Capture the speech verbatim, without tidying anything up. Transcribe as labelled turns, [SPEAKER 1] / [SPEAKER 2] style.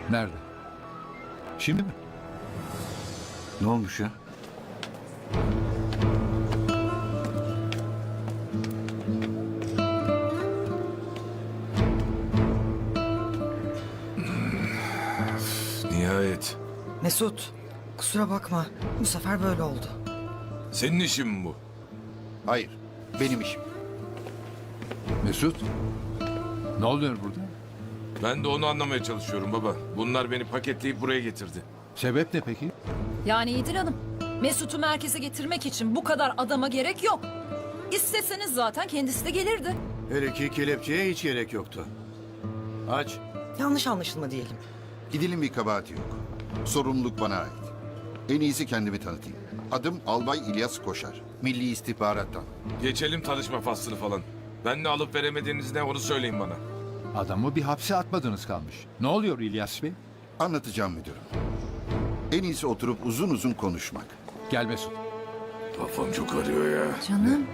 [SPEAKER 1] Nerede? Şimdi mi?
[SPEAKER 2] Ne olmuş ya?
[SPEAKER 3] Nihayet.
[SPEAKER 4] Mesut, kusura bakma. Bu sefer böyle oldu.
[SPEAKER 3] Senin işin mi bu?
[SPEAKER 2] Hayır, benim işim.
[SPEAKER 1] Mesut? Ne oluyor burada?
[SPEAKER 3] Ben de onu anlamaya çalışıyorum baba. Bunlar beni paketleyip buraya getirdi.
[SPEAKER 1] Sebep ne peki?
[SPEAKER 5] Yani İdil Hanım, Mesut'u merkeze getirmek için bu kadar adama gerek yok. İsteseniz zaten kendisi de gelirdi.
[SPEAKER 6] Hele ki kelepçeye hiç gerek yoktu. Aç.
[SPEAKER 4] Yanlış anlaşılma diyelim.
[SPEAKER 2] İdil'in bir kabahati yok. Sorumluluk bana ait. En iyisi kendimi tanıtayım. Adım Albay İlyas Koşar. Milli İstihbarattan.
[SPEAKER 3] Geçelim tanışma faslını falan. Ben ne alıp veremediğiniz ne onu söyleyin bana.
[SPEAKER 1] Adamı bir hapse atmadınız kalmış. Ne oluyor İlyas Bey?
[SPEAKER 2] Anlatacağım müdürüm. En iyisi oturup uzun uzun konuşmak.
[SPEAKER 1] Gel Mesut.
[SPEAKER 3] Kafam çok arıyor ya.
[SPEAKER 5] Canım.